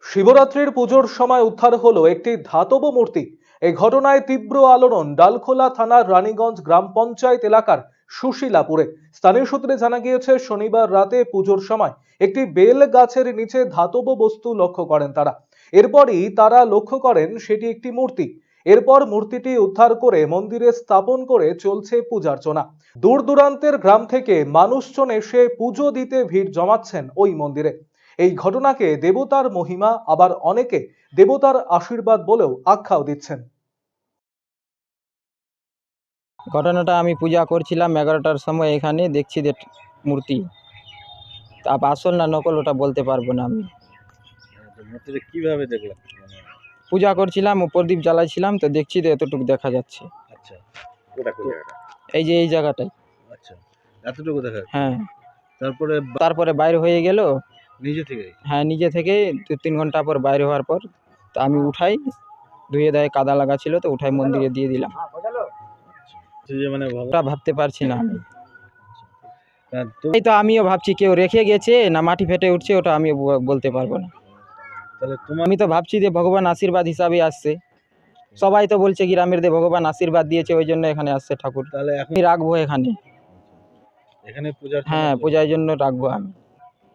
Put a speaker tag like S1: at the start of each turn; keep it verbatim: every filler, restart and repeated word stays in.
S1: শিবরাত্রির পুজোর সময় উদ্ধার হলো একটি ধাতব মূর্তি। এই ঘটনায় তীব্র আলোড়ন ডালখোলা থানার রানীগঞ্জ গ্রাম পঞ্চায়েত এলাকার সুশীলাপুরে। স্থানীয় সূত্রে জানা গিয়েছে, শনিবার রাতে পুজোর সময় একটি বেল গাছের নিচে ধাতব বস্তু লক্ষ্য করেন তারা। এরপরই তারা লক্ষ্য করেন সেটি একটি মূর্তি। এরপর মূর্তিটি উদ্ধার করে মন্দিরে স্থাপন করে চলছে পূজার্চনা। দূর দূরান্তের গ্রাম থেকে মানুষজন এসে পুজো দিতে ভিড় জমাচ্ছেন ওই মন্দিরে। এই ঘটনাকে দেবতার মহিমা, আবার অনেকে দেবতার আশীর্বাদ বলেও আখ্যাও দিচ্ছেন।
S2: ঘটনাটা আমি পূজা করছিলাম এগারোটার সময়, এখানে দেখছি যে মূর্তি। তা আসল না নকল ওটা বলতে পারবো না আমি।
S3: মূর্তিটা কিভাবে দেখলাম? মানে
S2: পূজা করছিলাম, প্রদীপ জ্বালাইছিলাম, তো দেখছি যে এতটুকু দেখা যাচ্ছে।
S3: আচ্ছা, ওটা কোন জায়গাটা?
S2: এই যে এই জায়গাটাই।
S3: আচ্ছা, এতটুকু দেখা যাচ্ছে।
S2: হ্যাঁ,
S3: তারপরে বা-
S2: তারপরে বাইরে হয়ে গেল।
S3: নিজে থেকেই?
S2: হ্যাঁ, নিজে থেকে দু তিন ঘন্টা পর বাইরে হওয়ার পর তা আমি উঠাই, ধুয়ে দেয়, কাদা লাগা ছিল তো উঠাই মন্দিরে দিয়ে দিলাম।
S3: সে যে মানে ভগবান,
S2: ওটা ভাবতে পারছি না আমি।
S3: হ্যাঁ, তো
S2: এই তো আমিও ভাবছি কেউ রেখে গেছে না মাটি ফেটে উঠছে, ওটা আমি বলতে পারবো না।
S3: তাহলে তোমার
S2: আমি তো ভাবছি যে ভগবান আশীর্বাদ হিসাবে আসছে। সবাই তো বলছে গ্রামের দিয়ে ভগবান আশীর্বাদ দিয়েছে, ওই জন্য এখানে আসছে ঠাকুর।
S3: তাহলে এখন
S2: আমি রাখবো এখানে।
S3: এখানে পূজার
S2: হ্যাঁ, পূজার জন্য রাখবো আমি।